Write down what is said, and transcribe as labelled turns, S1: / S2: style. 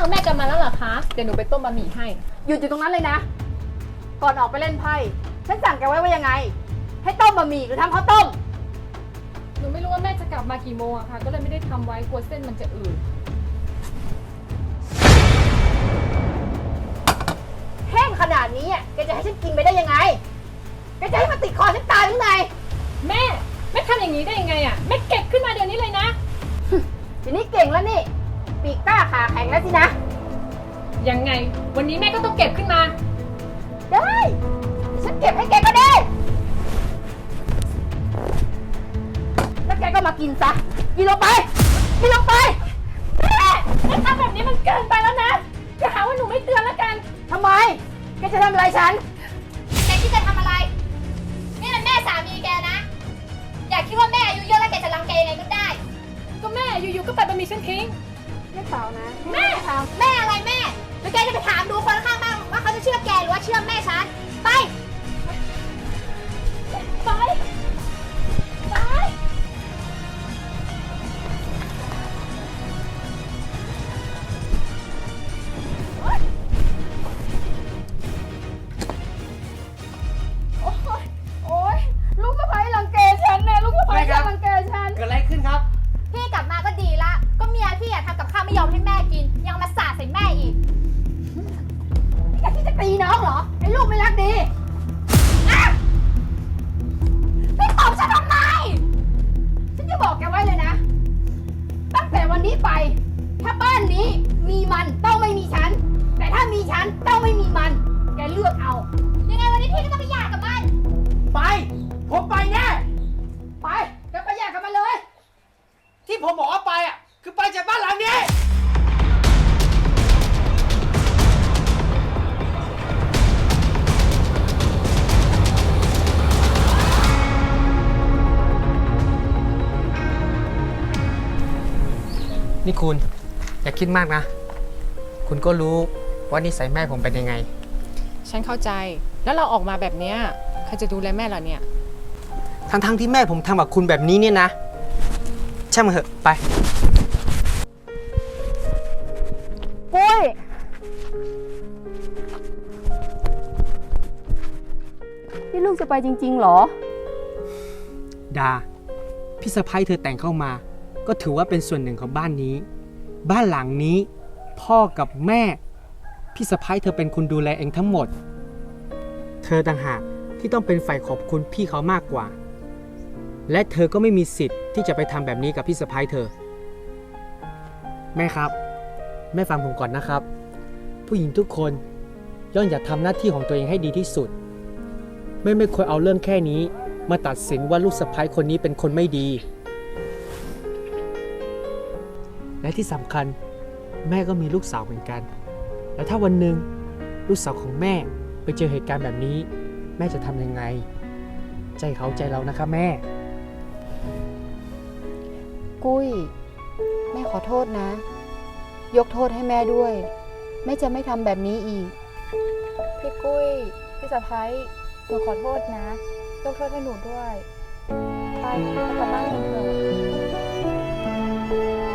S1: ว่าแม่กลับมาแล้วเหรอคะ เดี๋ยวหนูไปต้มบะหมี่ให้
S2: หยุดอยู่ตรงนั้นเลยนะ ก่อนออกไปเล่นไพ่ฉันสั่งแกไว้ว่ายังไง ให้ต้มบะหมี่หรือทำข้าวต้ม
S1: หนูไม่รู้ว่าแม่จะกลับมากี่โมงอะค่ะ ก็เลยไม่ได้ทำไว้กลัวเส้นมันจะอืด
S2: แห้งขนาดนี้แกจะให้ฉันกินไปได้ยังไง แกจะให้มันติดคอฉันตายหรือไง
S1: แม่ทำอย่างนี้ได้ยังไงอะแม่เก็บขึ้นมาเดี๋ยวนี้เลยนะ
S2: ทีนี้เก่งแล้วนี่ ปีกกล้าขาแข็งแล้วสินะ
S1: ยังไง วันนี้แม่ก็ต้องเก็บขึ้นมา
S2: ได้ฉันเก็บให้แกก็ได้ แล้วแกก็มากินซะ กินลงไป กินลงไป
S1: แม่ทำแบบนี้มันเกินไปแล้วนะอย่าหาว่าหนูไม่เตือนแล้วกัน
S2: ทำไม แกจะทำอะไรฉัน
S3: แกคิดจะทำอะไร นี่มันแม่สามีแกนะ อย่าคิดว่าแม่อายุเยอะแล้วแกจะรังแกยังไงก็ได้
S1: ก็แม่อยู่ๆก็ปัดบะหมี่ฉันทิ้ง
S2: ไม่เปล่านะ
S3: แม่แม่อะไรแม่หรือแกจะไปถามดูคนข้างบ้านว่าเขาจะเชื่อแกหรือว่าเชื่อแม่ฉัน ไป
S1: ไป
S3: ไป
S2: โอ๊ยลูกสะใภ้รังแกฉันเนี่ยลูกสะใภ้
S4: แม่ครับ
S2: รังแกฉัน
S4: เกิดอะไรขึ้นครับ
S3: พี่กลับมาก็ดีละ ก็เมียพี่อะทำกับข้าวไม่ยอมให้แม่กิน ยังมาสาดใส่แม่อีก
S2: แกที่จะตีน้องเหรอ ไอ้ลูกไม่รักดี
S3: พี่ตอบฉันทำไม
S2: ฉันจะบอกแกไว้เลยนะ ตั้งแต่วันนี้ไป ถ้าบ้านนี้มีมันต้องไม่มีฉัน แต่ถ้ามีฉันต้องไม่มีมัน แกเลือกเอา
S3: ยังไงวันนี้พี่ก็ต้องไปหย่ากับมัน
S4: ไป ผมไปแน่
S2: ไปแกไปแยกกันมาเลย
S4: ที่ผมบอกว่าไปอ่ะ คือไปจากบ้านหลังนี้ นี่คุณ อย่าคิดมากนะ คุณก็รู้ว่านิสัยแม่ผมเป็นยังไง
S1: ฉันเข้าใจ แล้วเราออกมาแบบเนี้ยใครจะดูแลแม่เราเนี่ย
S4: ทั้งที่แม่ผมทำกับคุณแบบนี้เนี่ยนะช่างมันเถอะ ไป
S2: ปุ้ย นี่ลูกจะไปจริงๆเหรอ
S4: ดา พี่สะพ้ยเธอแต่งเข้ามา ก็ถือว่าเป็นส่วนหนึ่งของบ้านนี้ บ้านหลังนี้ พ่อกับแม่ พี่สะพ้ยเธอเป็นคนดูแลเองทั้งหมด เธอต่างหากที่ต้องเป็นฝ่ายขอบคุณพี่เขามากกว่า และเธอก็ไม่มีสิทธิ์ที่จะไปทำแบบนี้กับพี่สะพ้ยเธอ แม่ครับ แม่ฟังผมก่อนนะครับ ผู้หญิงทุกคนย่อมอยากทำหน้าที่ของตัวเองให้ดีที่สุด ไม่ควรเอาเรื่องแค่นี้มาตัดสินว่าลูกสะใภ้คนนี้เป็นคนไม่ดี และที่สำคัญแม่ก็มีลูกสาวเหมือนกัน แล้วถ้าวันหนึ่งลูกสาวของแม่ไปเจอเหตุการณ์แบบนี้ แม่จะทำยังไง ใจเขาใจเรานะคะแม่
S2: กุ้ย แม่ขอโทษนะ ยกโทษให้แม่ด้วย แม่จะไม่ทำแบบนี้อีก
S5: พี่กุ้ย พี่สะพ้ายหนูขอโทษนะ ยกโทษให้หนูด้วย ไปกลับบ้านกันเถอะ